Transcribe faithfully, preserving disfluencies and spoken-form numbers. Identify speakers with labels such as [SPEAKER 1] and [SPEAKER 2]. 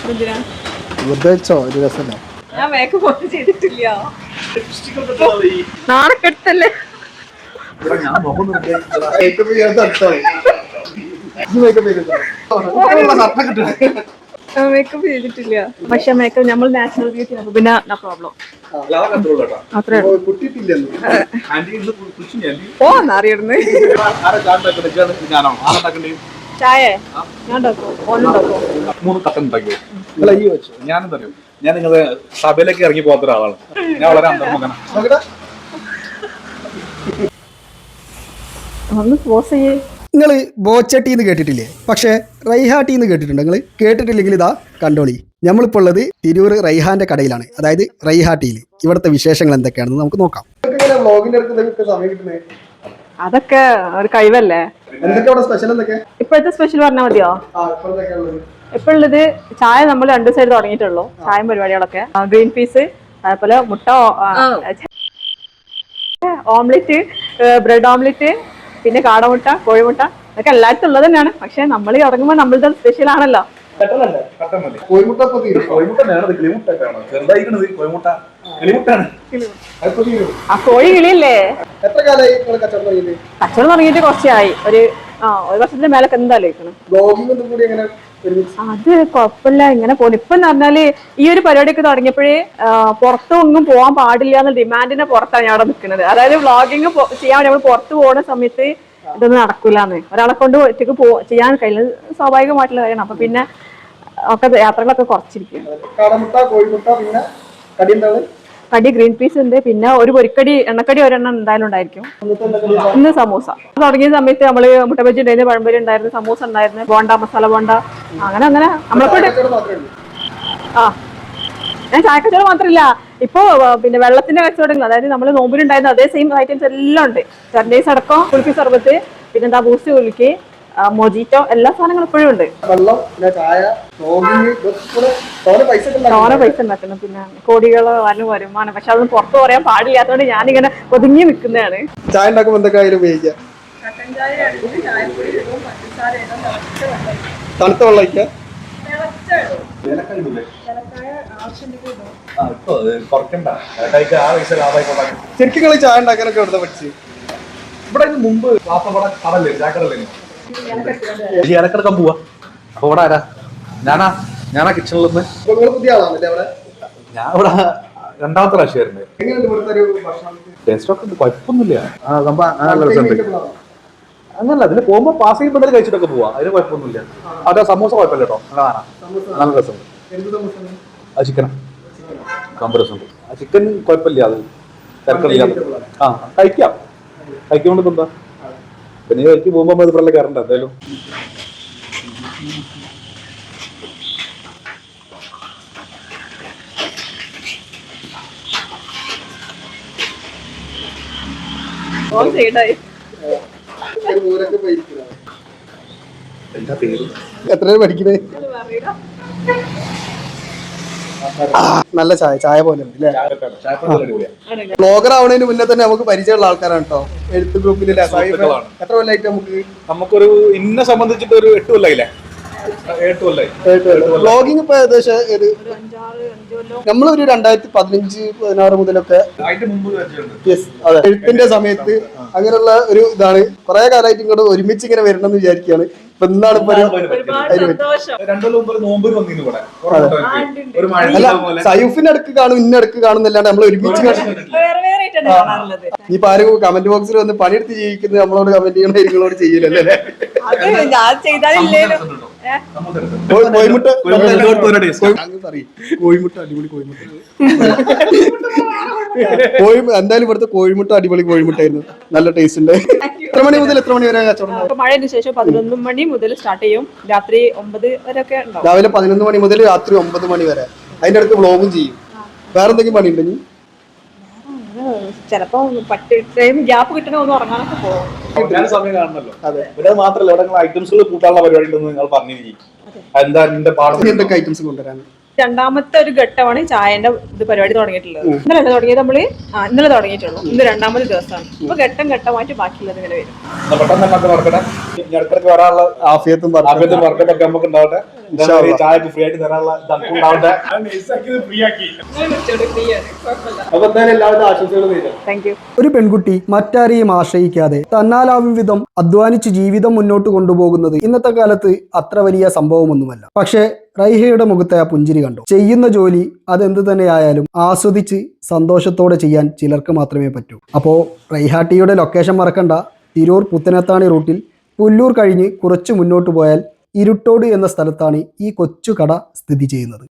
[SPEAKER 1] വെച്ചോ ഒരു രസമല്ല.
[SPEAKER 2] ഞാൻ മേക്കപ്പ് ഒന്നും ചെയ്തിട്ടില്ല. നാണക്കെട്ടല്ലേ. മേക്കപ്പ് ചെയ്തിട്ടില്ല. പക്ഷെ മേക്കപ്പ് നമ്മൾ നാച്ചുറൽ ബ്യൂട്ടി ആണ്, പിന്നെ പ്രോബ്ലം. ഓ എന്നറിയടുന്ന് ചായ ഞാൻ
[SPEAKER 3] മൂന്ന് കട്ടൻ ഉണ്ടാക്കിയോ? അല്ല ഈ വെച്ചു ഞാനെന്താ അറിയോ, ഞാൻ നിങ്ങളെ സഭയിലേക്ക് ഇറങ്ങി പോകാത്ത ഒരാളാണ്. ഞാൻ വളരെ അന്തർമുഖനാണ്.
[SPEAKER 1] നിങ്ങൾ ബോച്ചട്ടിന്ന് കേട്ടിട്ടില്ലേ? പക്ഷേ റൈഹാട്ടിന്ന് കേട്ടിട്ടുണ്ടോ? നിങ്ങൾ കേട്ടിട്ടില്ലെങ്കിൽ ഇതാ കണ്ടോളി. നമ്മളിപ്പോൾ ഉള്ളത് തിരൂർ റൈഹാന്റെ കടയിലാണ്, അതായത് റൈഹാട്ടിയിൽ. ഇവിടുത്തെ വിശേഷങ്ങൾ എന്തൊക്കെയാണെന്ന് നമുക്ക് നോക്കാം.
[SPEAKER 2] അതൊക്കെ ഒരു കഴിവല്ലേ. ഇപ്പോഴത്തെ സ്പെഷ്യൽ പറഞ്ഞാൽ മതിയോ? ഇപ്പൊ ഉള്ളത് ചായ നമ്മൾ രണ്ടു സൈഡ് തുടങ്ങിയിട്ടുള്ളൂ. ചായ പരിപാടികളൊക്കെ ഗ്രീൻ പീസ്, അതേപോലെ മുട്ട, ഓംലെറ്റ്, ബ്രെഡ് ഓംലെറ്റ്, പിന്നെ കാടമുട്ട, കോഴിമുട്ട, അതൊക്കെ എല്ലായിടത്തും ഉള്ളത് തന്നെയാണ്. പക്ഷെ നമ്മൾ ഇറങ്ങുമ്പോൾ നമ്മളുടെ സ്പെഷ്യൽ ആണല്ലോ. ആ കോഴി കിളിയല്ലേ. കച്ചവടം തുടങ്ങിയിട്ട് കുറച്ചായി, ഒരു ആ ഒരു വർഷത്തിന്റെ മേലൊക്കെ എന്തായാലും. അത് കുഴപ്പമില്ല, ഇങ്ങനെ പോകുന്നു. ഇപ്പൊ എന്ന് പറഞ്ഞാല് ഈ ഒരു പരിപാടിയൊക്കെ തുടങ്ങിയപ്പോഴേ പുറത്തൊന്നും പോകാൻ പാടില്ല എന്ന ഡിമാൻഡിനെ പുറത്താണ് ഞാൻ അവിടെ നിൽക്കുന്നത്. അതായത് വ്ളോഗിങ് ചെയ്യാൻ നമ്മൾ പുറത്ത് പോകുന്ന സമയത്ത് ഇതൊന്നും നടക്കൂലെന്ന്, ഒരാളെ കൊണ്ട് ഒറ്റക്ക് പോ ചെയ്യാൻ കഴിയുന്നത് സ്വാഭാവികമായിട്ടുള്ള കാര്യമാണ്. അപ്പൊ പിന്നെ ഒക്കെ യാത്രകളൊക്കെ കുറച്ചിരിക്കും. കടി ഗ്രീൻ പീസ് ഉണ്ട്, പിന്നെ ഒരു പൊരിക്കടി എണ്ണക്കടി ഒരെണ്ണം എന്തായാലും ഉണ്ടായിരിക്കും. ഇന്ന് സമൂസ തുടങ്ങിയ സമയത്ത് നമ്മള് മുട്ട ബജി ഉണ്ടായിരുന്നു, പഴംപൊരി ഉണ്ടായിരുന്നു, സമൂസ ഉണ്ടായിരുന്നു, ബോണ്ട, മസാല ബോണ്ട, അങ്ങനെ അങ്ങനെ നമ്മളൊക്കെ. ആ ഞാൻ ചായക്കച്ചവടം മാത്രമില്ല, ഇപ്പൊ പിന്നെ വെള്ളത്തിന്റെ കച്ചവടങ്ങൾ, അതായത് നമ്മൾ നോമ്പിലുണ്ടായിരുന്ന അതേ സെയിം ഐറ്റംസ് എല്ലാം ഉണ്ട്. ചർഡേസ് അടക്കം, കുലുക്കി സർബത്ത്, പിന്നെന്താ ബൂസ്റ്റ് കുലുക്കി, മൊജിറ്റോ, എല്ലാ സാധനങ്ങളും ഇപ്പോഴും ഉണ്ട്. തോനെ പൈസ ഉണ്ടാക്കണം, പിന്നെ കോടികളോ വരും വരുമാനം. പക്ഷെ അതൊന്നും പുറത്ത് പറയാൻ പാടില്ലാത്തതുകൊണ്ട് ഞാനിങ്ങനെ ഒതുങ്ങി നിൽക്കുന്നതാണ്.
[SPEAKER 1] ചായ ഉണ്ടാക്കുമ്പോൾ എന്തൊക്കെ ഉപയോഗിക്കാം? തണുത്ത വെള്ളം ശരിക്കും കളി ചായ ഉണ്ടാക്കാനൊക്കെ എവിടെ പഠിച്ചു?
[SPEAKER 3] ഇവിടെ മുമ്പ് കടല്ലേ ചായക്കടല്ലേ ഇടക്കിടക്കാൻ പോവാ. അപ്പൊ ഇവിടെ ആരാ? ഞാനാ ഞാനാ കിച്ചണിൽ നിന്ന്.
[SPEAKER 1] പുതിയ ആളാണല്ലേ അവിടെ?
[SPEAKER 3] ഞാൻ ഇവിടെ രണ്ടാമത്തെ പ്രാവശ്യമായിരുന്നു. ടേസ്റ്റ് ഒക്കെ കുഴപ്പമൊന്നുമില്ല. അങ്ങനല്ല, അതിന് പോകുമ്പോ പാസ് ചെയ്യുമ്പോൾ എന്തായാലും കഴിച്ചിട്ടൊക്കെ പോവാ, അതിന് കുഴപ്പമൊന്നുമില്ല. അവിടെ സമൂസ കുഴപ്പമില്ല കേട്ടോ, നല്ല കാണാം, നല്ല രസമുണ്ട്. ആ ചിക്കനാ കമ്പ രസമുണ്ട്. ആ ചിക്കൻ കുഴപ്പമില്ല, അത് തിരക്കില്ല. ആ കഴിക്കാം, കഴിക്കുമ്പോൾ എന്താ പിന്നെ കഴിക്ക് പോകുമ്പോ ഇത് പറഞ്ഞ കയറണ്ട എന്തായാലും.
[SPEAKER 1] എത്ര പഠിക്കണേ? നല്ല ചായ ചായ പോലെ ഉണ്ട് അല്ലേ? ബ്ലോഗർ ആവണതിന് മുന്നേ തന്നെ നമുക്ക് പരിചയമുള്ള ആൾക്കാരാണ് കേട്ടോ. എഴുത്ത് ഗ്രൂപ്പിൽ എത്ര കൊല്ലായിട്ട് നമുക്ക്
[SPEAKER 3] നമുക്കൊരു ഇന്നെ സംബന്ധിച്ചിട്ട് ഒരു എട്ട് കൊല്ലായില്ലേ?
[SPEAKER 1] വ്ളോഗിങ് ഇപ്പൊ ഏകദേശം നമ്മളൊരു രണ്ടായിരത്തി പതിനഞ്ച് പതിനാറ് മുതലൊക്കെ അതെ എഴുത്തിന്റെ സമയത്ത് അങ്ങനെയുള്ള ഒരു ഇതാണ്. കുറെ കാലമായിട്ട് ഇങ്ങോട്ട് ഒരുമിച്ച് ഇങ്ങനെ വരണം എന്ന് വിചാരിക്കുകയാണ്. ഇപ്പൊ എന്താണ് ഇപ്പൊ അല്ല സയൂഫിന്റെ അടുക്ക് കാണും, ഇന്ന അടുക്ക് കാണുന്നല്ലാണ്ട് നമ്മൾ ഒരുമിച്ച് ഇനിയിപ്പോ ആരും കമന്റ് ബോക്സിൽ വന്ന് പണിയെടുത്ത് ജീവിക്കുന്നത് നമ്മളോട് കമന്റ് ചെയ്യണ നിങ്ങളോട് ചെയ്യില്ലല്ലേ? കോഴിമുട്ട അടിപൊളി കോഴിമുട്ട കോഴി എന്തായാലും ഇവിടുത്തെ കോഴിമുട്ട അടിപൊളി കോഴിമുട്ടായിരുന്നു, നല്ല ടേസ്റ്റ് ഉണ്ട്. എത്ര മണി മുതൽ എത്ര മണി വരെ കച്ചവടം?
[SPEAKER 2] മഴയ്ക്ക് ശേഷം പതിനൊന്ന് മണി മുതൽ സ്റ്റാർട്ട് ചെയ്യും, രാത്രി ഒമ്പത് വരെ ഒക്കെ ഉണ്ടാവും.
[SPEAKER 1] രാവിലെ പതിനൊന്ന് മണി മുതൽ രാത്രി ഒമ്പത് മണി വരെ. അതിന്റെ അടുത്ത് വ്ളോഗും ചെയ്യും. വേറെ എന്തെങ്കിലും പണി ഉണ്ടെങ്കിൽ
[SPEAKER 2] ചിലപ്പോ ടൈം ഗ്യാപ്പ് കിട്ടണ ഒന്ന് ഉറങ്ങാനൊക്കെ പോകും.
[SPEAKER 3] സമയം കാണണല്ലോ. അതെ മാത്രല്ല ഇവിടെ ഐറ്റംസുകൾ കൂട്ടാനുള്ള പരിപാടി ഉണ്ടെന്ന് നിങ്ങൾ പറഞ്ഞിരിക്കും. എന്താ എന്റെ പാടത്ത്
[SPEAKER 1] എന്തൊക്കെ ഐറ്റംസ് കൊണ്ടുവരാൻ?
[SPEAKER 2] രണ്ടാമത്തെ ഒരു ഘട്ടമാണ് ചായന്റെ ഇത് പരിപാടി തുടങ്ങിയിട്ടുള്ളത്. ഇന്നലെ തുടങ്ങിയത് നമ്മള് ആ ഇന്നലെ തുടങ്ങിയിട്ടുള്ളൂ. ഇന്ന് രണ്ടാമത്തെ ദിവസമാണ്. അപ്പൊ ഘട്ടം ഘട്ടമായിട്ട് ബാക്കിയുള്ളത് ഇങ്ങനെ വരും.
[SPEAKER 1] ആഫിയത്തും
[SPEAKER 3] നമുക്ക് ഉണ്ടാവട്ടെ, ചായക്ക് ഫ്രീ ആയിട്ട് തരാനുള്ള ഉണ്ടാവട്ടെ. അപ്പൊ എന്തായാലും എല്ലാവരും ആശംസകളും നേരിടും.
[SPEAKER 2] Thank you.
[SPEAKER 1] ഒരു പെൺകുട്ടി മറ്റാരെയും ആശ്രയിക്കാതെ തന്നാലാവും വിധം അധ്വാനിച്ച് ജീവിതം മുന്നോട്ട് കൊണ്ടുപോകുന്നത് ഇന്നത്തെ കാലത്ത് അത്ര വലിയ സംഭവമൊന്നുമല്ല. പക്ഷേ റൈഹയുടെ മുഖത്തെ ആ പുഞ്ചിരി കണ്ടു. ചെയ്യുന്ന ജോലി അതെന്ത് തന്നെയായാലും ആസ്വദിച്ച് സന്തോഷത്തോടെ ചെയ്യാൻ ചിലർക്ക് മാത്രമേ പറ്റൂ. അപ്പോൾ റൈഹാട്ടിയുടെ ലൊക്കേഷൻ മറക്കണ്ട. തിരൂർ പുത്തനത്താണി റൂട്ടിൽ പുല്ലൂർ കഴിഞ്ഞ് കുറച്ച് മുന്നോട്ട് പോയാൽ ഇരുട്ടോട് എന്ന സ്ഥലത്താണ് ഈ കൊച്ചു കട സ്ഥിതി ചെയ്യുന്നത്.